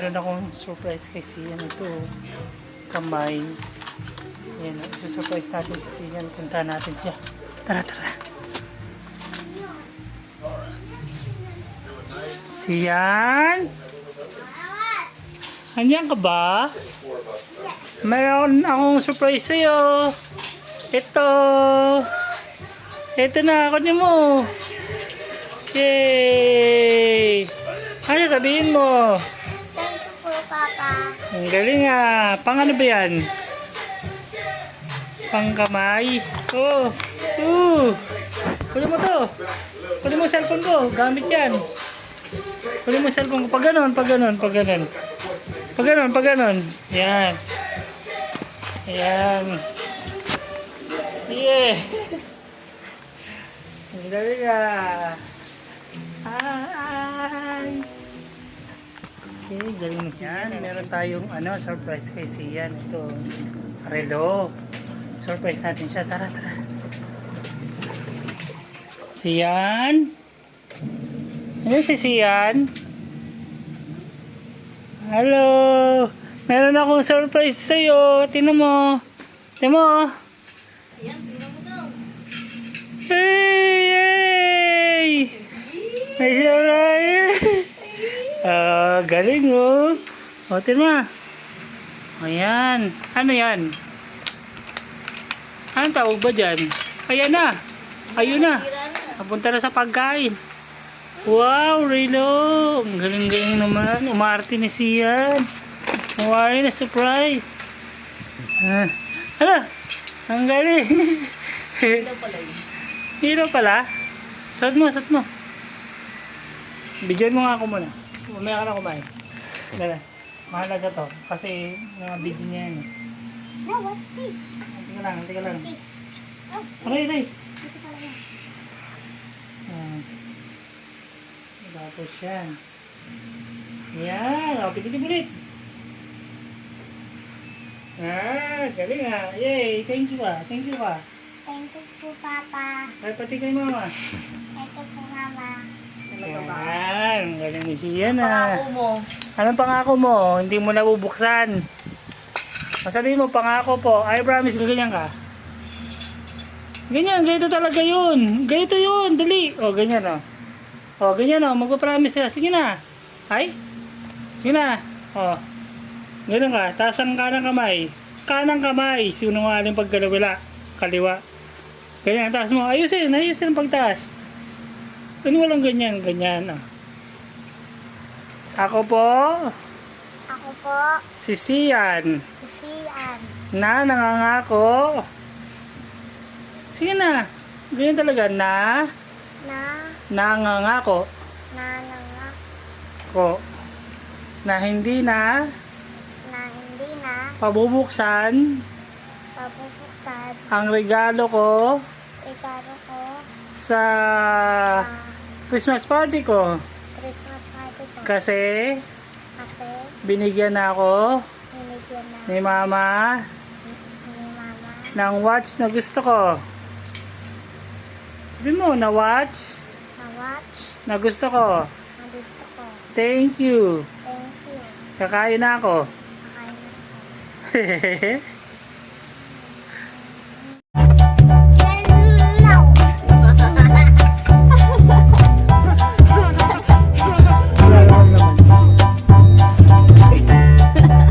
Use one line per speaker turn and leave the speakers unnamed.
meron akong surprise kay Sian. Ito, kamay. Ayan, isusurprise natin si Sian. Punta natin siya. Tara, tara. Sian? Andiyan ka ba? Meron akong surprise sa'yo. Ito. Ito na, kunin mo. Yay! Ano sabihin mo?
Thank you po, Papa.
Ang galing ah. Pang ano ba yan? Pang kamay. Oh. Kunin mo to. Kunin mo cellphone ko. Gamit yan. Kunin mo cellphone ko. Pag ganon, pag ganon, pag ganon. Pag ganon, pag ganon. Yan. Ayan. Yeah. Ang galing ah. Hi! Okay, galing mo siya. Meron tayong surprise kay Sian. Ito, relo. Surprise natin siya. Tara, tara. Sian? Ano si Sian? Hello! Meron akong surprise sa'yo. Tingnan mo. Tingnan mo.
Sian, tingnan mo daw.
Hey! May surprise! Galing oh. O, tingnan mo. Ayan. Ano yan? Anong tawag ba dyan? Ayan na. Ayun na. Napunta na sa pagkain. Wow, Relo. Ang galing-galing naman. Umarte ni Sian. Umarte na surprise. Ano? Ang galing.
Hilo pala yun.
Hilo pala? Suot mo, suot mo. Bigyan mo nga ako muna. Umaya ka na kumain. Dala. Mahalaga to. Kasi mga video niya yan.
No, what's this?
Hindi ka lang, hindi ka lang.
This. Oh,
Aray, aray.
dito pala yan.
Tapos yan. Yan. O, pitin ulit. Galing ah. Yay. Thank you ah. Thank you ah.
Thank you po, Papa.
Ay, pati kay mama.
Thank you po, Mama.
Yan. Galing ni Sian ah.
Pangako mo.
Anong pangako mo? Hindi mo nabubuksan. Sabihin mo, pangako po. I promise, ganyan ka. Ganyan, ganito talaga yun. Ganito yun, dali. O, ganyan o. O, ganyan o, magpapromise ka. Sige na. Ay? Sige na. O. Ganun ka. Taas ang kanang kamay. Kanang kamay. Sinungaling pagkalawila. Kaliwa. Ganyan, taas mo. Ayusin, ayusin ang pagtaas. Ano walang ganyan, ganyan o. Ako po,
Ako po,
si Sian,
si Sian.
na nangangako. Sige na. Ganyan talaga na nangangako
Na
ko na hindi na
hindi na
pabubuksan
pabubuksan
ang regalo ko
regalo ko
sa
sa
Christmas party ko
Christmas party ko.
kasi
Kasi
binigyan na ako
binigyan na
ni Mama
ni Mama
ng watch na gusto ko. Sabi mo, na watch
na watch
na gusto ko.
na gusto ko.
Thank you.
Thank you.
Kakain na ako.
Kakain na ako.